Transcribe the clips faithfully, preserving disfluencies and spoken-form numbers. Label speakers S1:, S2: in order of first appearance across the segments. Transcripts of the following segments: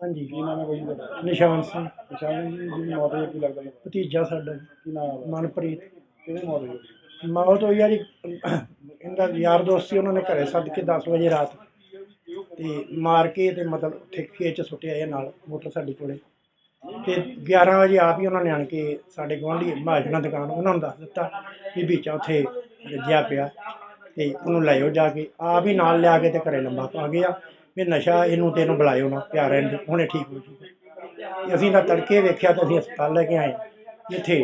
S1: ਹਾਂਜੀ।
S2: ਕੀ ਨਾਮ ਹੈ ਬਾਈ ਜੀ ਤੁਹਾਡਾ?
S1: ਨਿਸ਼ਾਨ ਸਿੰਘ
S2: ਨਿਸ਼ਾਨ ਜੀ ਦੀ ਮੌਤ ਹੋਈ ਹੈ, ਕੀ ਲੱਗਦਾ ਤੁਹਾਨੂੰ?
S1: ਭਤੀਜਾ ਸਾਡਾ ਜੀ,
S2: ਕੀ ਨਾਮ ਹੈ?
S1: ਮਨਪ੍ਰੀਤ।
S2: ਕਿਹਦੇ ਮੌਤ ਹੋਈ ਹੈ?
S1: ਮੌਤ ਹੋਈ ਆ ਜੀ, ਇਹਦਾ ਯਾਰ ਦੋਸਤ ਸੀ, ਉਹਨਾਂ ਨੇ ਘਰੇ ਸੱਦ ਕੇ ਦਸ ਵਜੇ ਰਾਤ ਤੇ ਮਾਰ ਕੇ ਤੇ ਮਤਲਬ ਉੱਥੇ ਖੇਤ 'ਚ ਸੁੱਟਿਆ ਇਹ ਨਾਲ ਮੋਟਰ ਸਾਡੀ ਕੋਲੇ। ਤੇ ਗਿਆਰਾਂ ਵਜੇ ਆਪ ਹੀ ਉਹਨਾਂ ਨੇ ਆਣ ਕੇ ਸਾਡੇ ਗੁਆਂਢੀ ਮਹਾਜਨਾਂ ਦੁਕਾਨ ਉਹਨਾਂ ਨੂੰ ਦੱਸ ਦਿੱਤਾ ਵੀ ਬੀਚਾ ਉੱਥੇ ਰੱਜਿਆ ਪਿਆ ਤੇ ਉਹਨੂੰ ਲੈ ਜਾਓ ਜਾ ਕੇ। ਆਪ ਹੀ ਨਾਲ ਲਿਆ ਕੇ ਤੇ ਘਰੇ ਲੰਬਾ ਪਾ ਗਿਆ ਵੀ ਨਸ਼ਾ ਇਹਨੂੰ ਤੇ ਇਹਨੂੰ ਬੁਲਾਇਓ ਨਾ, ਪਿਆ ਰਹਿਣ ਦਿਓ, ਹੁਣੇ ਠੀਕ ਹੋ ਜੂਗਾ। ਤੇ ਅਸੀਂ ਤਾਂ ਤੜਕੇ ਵੇਖਿਆ ਤਾਂ ਅਸੀਂ ਹਸਪਤਾਲ ਲੈ ਕੇ ਆਏ ਇੱਥੇ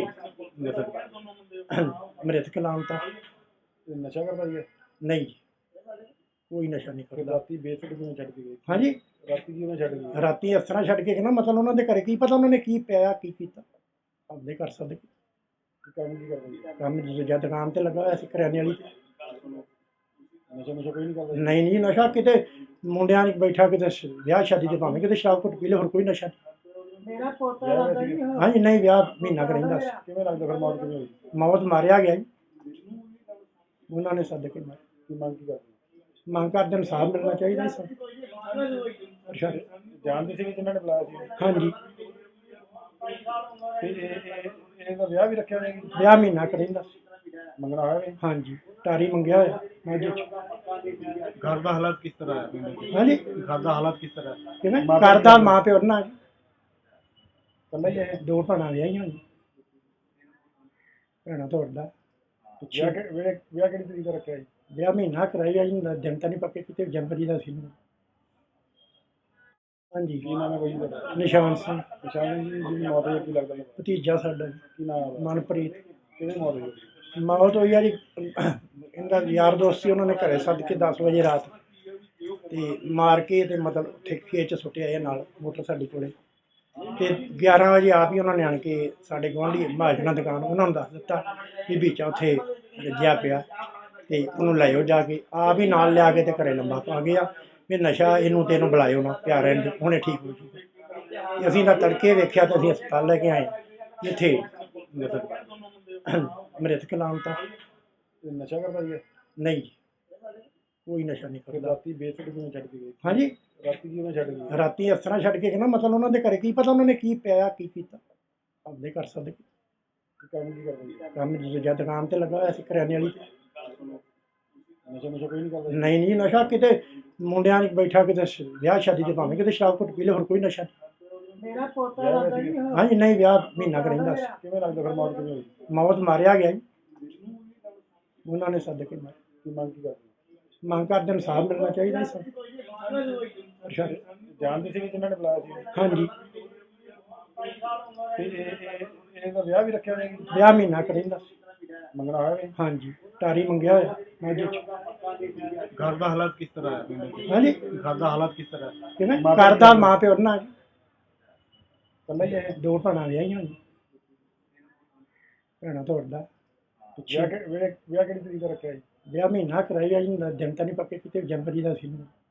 S1: ਮਤਲਬ ਮ੍ਰਿਤਕ ਲਾਉਣ ਤਾਂ
S2: ਇਹ ਨਸ਼ਾ ਕਰਦਾ ਜੀ?
S1: ਨਹੀਂ ਜੀ, ਕੋਈ ਨਸ਼ਾ ਨਹੀਂ
S2: ਫਿਰ
S1: ਕਰਦਾ।
S2: ਰਾਤੀ ਬੇਸੁੱਧ ਕਿਵੇਂ ਛੱਡ ਕੇ ਗਏ?
S1: ਹਾਂਜੀ,
S2: ਰਾਤੀ ਕਿਵੇਂ ਛੱਡ ਗਏ?
S1: ਰਾਤੀ ਇਸ ਤਰ੍ਹਾਂ ਛੱਡ ਕੇ ਨਾ ਮਤਲਬ ਉਹਨਾਂ ਦੇ ਘਰੇ ਕੀ ਪਤਾ ਉਹਨਾਂ ਨੇ ਕੀ ਪਿਆ ਕੀ ਕੀਤਾ, ਆਪਦੇ ਕਰ ਸਕਦੇ
S2: ਕੰਮ ਕੀ ਕਰਦਾ ਜੀ?
S1: ਕੰਮ ਦੂਜਾ ਦੁਕਾਨ ਤੇ ਲੱਗਾ ਹੋਇਆ ਸੀ ਕਰਿਆਨੇ ਵਾਲੀ ਤੇ।
S2: ਨਸ਼ਾ ਨਸ਼ਾ ਕੋਈ ਨਹੀਂ ਕਰਦਾ?
S1: ਨਹੀਂ ਜੀ, ਨਸ਼ਾ ਕਿਤੇ ਮੁੰਡਿਆਂ 'ਚ ਬੈਠਾ ਕਿਤੇ ਸ਼- ਵਿਆਹ ਸ਼ਾਦੀ ਤੇ ਭਾਵੇਂ ਕਿਤੇ ਸ਼ਰਾਬ ਘੁੱਟ ਪੀ ਲੈ, ਹੋਰ ਕੋਈ ਨਸ਼ਾ ਨਹੀਂ।
S2: ਮੇਰਾ ਪੋਤਾ
S1: ਹਾਂਜੀ ਨਹੀਂ, ਵਿਆਹ ਮਹੀਨਾ ਕੁ ਰਹਿੰਦਾ ਸੀ।
S2: ਕਿਵੇਂ ਲੱਗਦਾ ਫਿਰ ਮੌਤ ਕਿਵੇਂ ਹੋਈ?
S1: ਮੌਤ ਮਾਰਿਆ ਗਿਆ ਜੀ, ਉਹਨਾਂ ਨੇ ਸੱਦ ਕੇ ਮਾਰਿਆ।
S2: ਕੀ ਮੰਗ ਕੀ ਕਰਦੇ?
S1: ਮੰਗ ਕਰਦੇ ਇਨਸਾਫ ਮਿਲਣਾ ਚਾਹੀਦਾ ਸੀ। ਅੱਛਾ,
S2: ਜਾਣਦੇ ਸੀ ਕਿ ਜਿਨ੍ਹਾਂ ਨੇ ਬੁਲਾਇਆ ਸੀ?
S1: ਹਾਂਜੀ,
S2: ਤੇ ਇਹ ਇਹ- ਇਹਦਾ ਵਿਆਹ ਵੀ ਰੱਖਿਆ ਹੋਇਆ ਜੀ?
S1: ਵਿਆਹ ਮਹੀਨਾ ਕੁ ਰਹਿੰਦਾ ਸੀ।
S2: ਮੰਗਣਾ ਹੋਇਆ ਵੀ?
S1: ਹਾਂਜੀ, ਟਾਰੀ ਮੰਗਿਆ ਹੋਇਆ ਮਾਝੇ 'ਚ।
S2: ਘਰ ਦਾ ਹਾਲਾਤ ਕਿਸ ਤਰ੍ਹਾਂ ਹੈ?
S1: ਹਾਂਜੀ,
S2: ਘਰ ਦਾ ਹਾਲਾਤ ਕਿਸ ਤਰ੍ਹਾਂ ਹੈ?
S1: ਕਿਵੇਂ ਕਰਦਾ ਮਾਂ ਪਿਓ ਨਾਲ
S2: ਕੱਲਾ ਹੀ ਇਹ?
S1: ਦੋ ਭੈਣਾਂ ਵਿਆਹੀਆਂ ਜੀ, ਭੈਣਾਂ ਤੋਂ ਵੱਡਾ।
S2: ਵਿਆਹ ਕਿ- ਵਿਆਹ ਵਿਆਹ ਕਿਹੜੀ ਤਰੀਕ ਦਾ ਰੱਖਿਆ ਜੀ?
S1: ਵਿਆਹ ਮਹੀਨਾ ਕਰਾਇਆ ਜੀ, ਦਿਨ ਤਾਂ ਨਹੀਂ ਪੱਕੇ ਕਿਤੇ, ਜਨਵਰੀ ਦਾ ਸੀ। ਹਾਂਜੀ।
S2: ਕੀ ਨਾਮ ਹੈ ਬਾਈ ਜੀ ਤੁਹਾਡਾ?
S1: ਨਿਸ਼ਾਨ ਸਿੰਘ
S2: ਨਿਸ਼ਾਨ ਜੀ ਦੀ ਮੌਤ ਹੋਈ ਹੈ, ਕੀ ਲੱਗਦਾ ਤੁਹਾਨੂੰ?
S1: ਭਤੀਜਾ ਸਾਡਾ ਜੀ,
S2: ਕੀ ਨਾਮ ਹੈ?
S1: ਮਨਪ੍ਰੀਤ।
S2: ਕਿਹਦੇ ਮੌਤ ਹੋਈ ਹੈ?
S1: ਮੌਤ ਹੋਈ ਆ ਜੀ, ਇਹਦਾ ਯਾਰ ਦੋਸਤ ਸੀ, ਉਹਨਾਂ ਨੇ ਘਰੇ ਸੱਦ ਕੇ ਦਸ ਵਜੇ ਰਾਤ ਤੇ ਮਾਰ ਕੇ ਤੇ ਮਤਲਬ ਉੱਥੇ ਖੇਤ 'ਚ ਸੁੱਟਿਆ ਇਹ ਨਾਲ ਮੋਟਰ ਸਾਡੀ ਕੋਲੇ। ਤੇ ਗਿਆਰਾਂ ਵਜੇ ਆਪ ਹੀ ਉਹਨਾਂ ਨੇ ਆਣ ਕੇ ਸਾਡੇ ਗੁਆਂਢੀ ਮਹਾਜਨਾਂ ਦੁਕਾਨ ਉਹਨਾਂ ਨੂੰ ਦੱਸ ਦਿੱਤਾ ਵੀ ਬੀਚਾ ਉੱਥੇ ਰੱਜਿਆ ਪਿਆ ਤੇ ਉਹਨੂੰ ਲੈ ਜਾਓ ਜਾ ਕੇ। ਆਪ ਹੀ ਨਾਲ ਲਿਆ ਕੇ ਤੇ ਘਰੇ ਲੰਬਾ ਪਾ ਗਿਆ ਵੀ ਨਸ਼ਾ ਇਹਨੂੰ ਤੇ ਇਹਨੂੰ ਬੁਲਾਇਓ ਨਾ, ਪਿਆ ਰਹਿਣ ਦਿਓ, ਹੁਣੇ ਠੀਕ ਹੋ ਜੂਗਾ। ਤੇ ਅਸੀਂ ਤਾਂ ਤੜਕੇ ਵੇਖਿਆ ਤਾਂ ਅਸੀਂ ਹਸਪਤਾਲ ਲੈ ਕੇ ਆਏ ਇੱਥੇ ਮਤਲਬ ਮ੍ਰਿਤਕ ਲਾਉਣ ਤਾਂ
S2: ਇਹ ਨਸ਼ਾ ਕਰਦਾ ਜੀ?
S1: ਨਹੀਂ ਜੀ, ਕੋਈ ਨਸ਼ਾ ਨਹੀਂ
S2: ਫਿਰ
S1: ਕਰਦਾ।
S2: ਰਾਤੀ ਬੇਸੁੱਧ ਕਿਵੇਂ ਛੱਡ ਕੇ ਗਏ?
S1: ਹਾਂਜੀ,
S2: ਰਾਤੀ ਕਿਵੇਂ ਛੱਡ ਗਏ?
S1: ਰਾਤੀ ਇਸ ਤਰ੍ਹਾਂ ਛੱਡ ਕੇ ਨਾ ਮਤਲਬ ਉਹਨਾਂ ਦੇ ਘਰੇ ਕੀ ਪਤਾ ਉਹਨਾਂ ਨੇ ਕੀ ਪਿਆ ਕੀ ਕੀਤਾ, ਆਪਦੇ ਕਰ ਸਕਦੇ
S2: ਕੰਮ ਕੀ ਕਰਦਾ ਜੀ?
S1: ਕੰਮ ਦੂਜਾ ਦੁਕਾਨ ਤੇ ਲੱਗਾ ਹੋਇਆ ਸੀ ਕਰਿਆਨੇ ਵਾਲੀ ਤੇ।
S2: ਨਸ਼ਾ ਨਸ਼ਾ ਕੋਈ ਨਹੀਂ ਕਰਦਾ?
S1: ਨਹੀਂ ਜੀ, ਨਸ਼ਾ ਕਿਤੇ ਮੁੰਡਿਆਂ 'ਚ ਬੈਠਾ ਕਿਤੇ ਸ਼- ਵਿਆਹ ਸ਼ਾਦੀ ਤੇ ਭਾਵੇਂ ਕਿਤੇ ਸ਼ਰਾਬ ਘੁੱਟ ਪੀ ਲੈ, ਹੋਰ ਕੋਈ ਨਸ਼ਾ ਨਹੀਂ।
S2: ਮੇਰਾ ਪੋਤਾ
S1: ਹਾਂਜੀ ਨਹੀਂ, ਵਿਆਹ ਮਹੀਨਾ ਕੁ ਰਹਿੰਦਾ ਸੀ।
S2: ਕਿਵੇਂ ਲੱਗਦਾ ਫਿਰ ਮੌਤ ਕਿਵੇਂ ਹੋਈ?
S1: ਮੌਤ ਮਾਰਿਆ ਗਿਆ ਜੀ, ਉਹਨਾਂ ਨੇ ਸੱਦ ਕੇ ਮਾਰਿਆ।
S2: ਕੀ ਮੰਗ ਕੀ ਕਰਦੇ?
S1: ਮੰਗ ਕਰਦੇ ਇਨਸਾਫ ਮਿਲਣਾ ਚਾਹੀਦਾ ਸੀ। ਅੱਛਾ,
S2: ਜਾਣਦੇ ਸੀ ਕਿ ਜਿਨ੍ਹਾਂ ਨੇ ਬੁਲਾਇਆ ਸੀ?
S1: ਹਾਂਜੀ,
S2: ਤੇ ਇਹ ਇਹ- ਇਹਦਾ ਵਿਆਹ ਵੀ ਰੱਖਿਆ ਹੋਇਆ ਜੀ?
S1: ਵਿਆਹ ਮਹੀਨਾ ਕੁ ਰਹਿੰਦਾ ਸੀ।
S2: ਮੰਗਣਾ ਹੋਇਆ ਵੀ?
S1: ਹਾਂਜੀ, ਟਾਰੀ ਮੰਗਿਆ ਹੋਇਆ ਮਾਝੇ 'ਚ।
S2: ਘਰ ਦਾ ਹਾਲਾਤ ਕਿਸ ਤਰ੍ਹਾਂ ਹੈ?
S1: ਹਾਂਜੀ,
S2: ਘਰ ਦਾ ਹਾਲਾਤ ਕਿਸ ਤਰ੍ਹਾਂ ਹੈ?
S1: ਕਿਵੇਂ ਕਰਦਾ ਮਾਂ ਪਿਓ ਨਾਲ
S2: ਕੱਲਾ ਹੀ ਇਹ?
S1: ਦੋ ਭੈਣਾਂ ਵਿਆਹੀਆਂ ਜੀ, ਭੈਣਾਂ ਤੋਂ ਵੱਡਾ।
S2: ਵਿਆਹ ਕਿ- ਵਿਆਹ ਵਿਆਹ ਕਿਹੜੀ ਤਰੀਕ ਦਾ ਰੱਖਿਆ ਜੀ?
S1: ਵਿਆਹ ਮਹੀਨਾ ਕਰਾਇਆ ਜੀ, ਦਿਨ ਤਾਂ ਨਹੀਂ ਪੱਕੇ ਕਿਤੇ, ਜਨਵਰੀ ਦਾ ਸੀ।